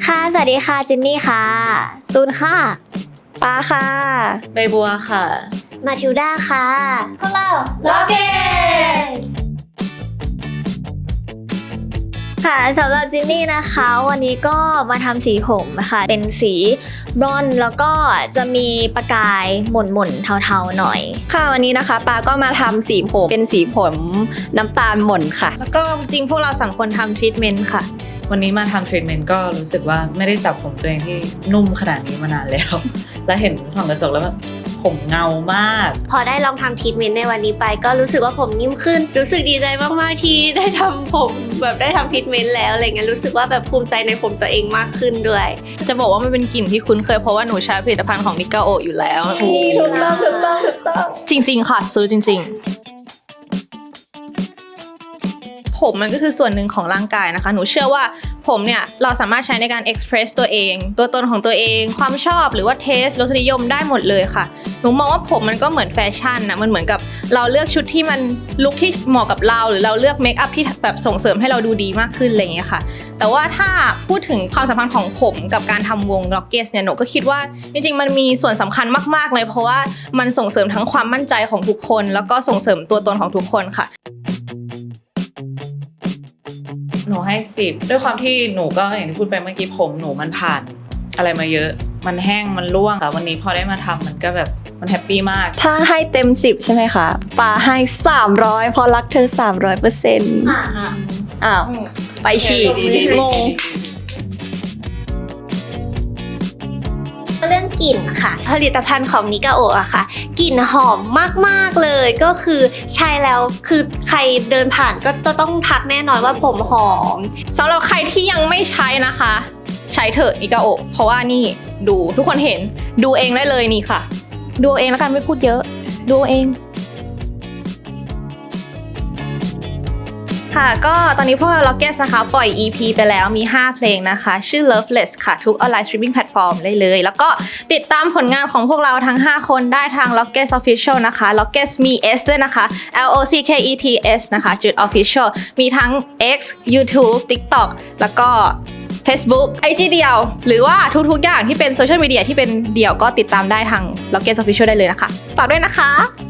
ค่ะสวัสดีค่ะจินนี่ค่ะตูนค่ะปาค่ะใบบัวค่ะมาทิวด้าค่ะพวกเราล็อกเกสค่ะสำหรับจินนี่นะคะวันนี้ก็มาทำสีผมนะคะเป็นสีบรอนซ์แล้วก็จะมีประกายหม่นๆเทาๆหน่อยค่ะวันนี้นะคะปาก็มาทำสีผมเป็นสีผมน้ำตาลหม่นค่ะแล้วก็จริงพวกเรา3คนทำทรีทเมนต์ค่ะวันนี้มาทำทรีทเมนต์ก็รู้สึกว่าไม่ได้จับผมตัวเองที่นุ่มขนาดนี้มานานแล้ว แล้วเห็นส่องกระจกแล้วแบบผมเงามากพอได้ลองทำทรีทเมนต์ในวันนี้ไปก็รู้สึกว่าผมนิ่มขึ้นรู้สึกดีใจมากๆที่ได้ทำผมแบบได้ทำทรีทเมนต์แล้วอะไรเงี้ยรู้สึกว่าแบบภูมิใจในผมตัวเองมากขึ้นด้วยจะบอกว่ามันเป็นกลิ่นที่คุ้นเคยเพราะว่าหนูใช้ผลิตภัณฑ์ของนิกาโออยู่แล้วถูกต้องจริงๆค่ะซื้อจริงๆผมมันก็คือส่วนหนึ่งของร่างกายนะคะหนูเชื่อว่าผมเนี่ยเราสามารถใช้ในการ express ตัวเองตัวตนของตัวเองความชอบหรือว่าเทสรสนิยมได้หมดเลยค่ะหนูมองว่าผมมันก็เหมือนแฟชั่นนะมันเหมือนกับเราเลือกชุดที่มันลุคที่เหมาะกับเราหรือเราเลือกเมคอัพที่แบบส่งเสริมให้เราดูดีมากขึ้นอะไรอย่างเงี้ยค่ะแต่ว่าถ้าพูดถึงความสัมพันธ์ของผมกับการทำวง Rockets เนี่ยหนูก็คิดว่าจริงๆมันมีส่วนสำคัญมากๆเลยเพราะว่ามันส่งเสริมทั้งความมั่นใจของทุกคนแล้วก็ส่งเสริมตัวตนของทุกคนค่ะหนูให้10ด้วยความที่หนูก็อย่างที่พูดไปเมื่อกี้ผมหนูมันผ่านอะไรมาเยอะมันแห้งมันร่วงค่ะวันนี้พอได้มาทำมันก็แบบมันแฮปปี้มากถ้าให้เต็ม10ใช่ไหมคะปาให้300เพราะรักเธอ 300%อ้าวไปฉีกงงเรื่องกลิ่นค่ะผลิตภัณฑ์ของนิกาโออะค่ะกลิ่นหอมมากๆเลยก็คือใช้แล้วคือใครเดินผ่านก็จะต้องทักแน่นอนว่าผมหอมสำหรับใครที่ยังไม่ใช้นะคะใช้เถอะนิกาโอเพราะว่านี่ดูทุกคนเห็นดูเองได้เลยนี่ค่ะดูเองแล้วกันไม่พูดเยอะดูเองค่ะก็ตอนนี้พวกเรา Rockets นะคะปล่อย EP ไปแล้วมี5เพลงนะคะชื่อ Loveless ค่ะทุกออนไลน์สตรีมมิ่งแพลตฟอร์มได้เลยแล้วก็ติดตามผลงานของพวกเราทั้ง5คนได้ทาง Rockets Official นะคะ Rockets มี S ด้วยนะคะ LOCKETS นะคะจุด Official มีทั้ง X YouTube TikTok แล้วก็ Facebook IG เดียวหรือว่าทุกๆอย่างที่เป็นโซเชียลมีเดียที่เป็นเดี่ยวก็ติดตามได้ทาง Rockets Official ได้เลยนะคะฝากด้วยนะคะ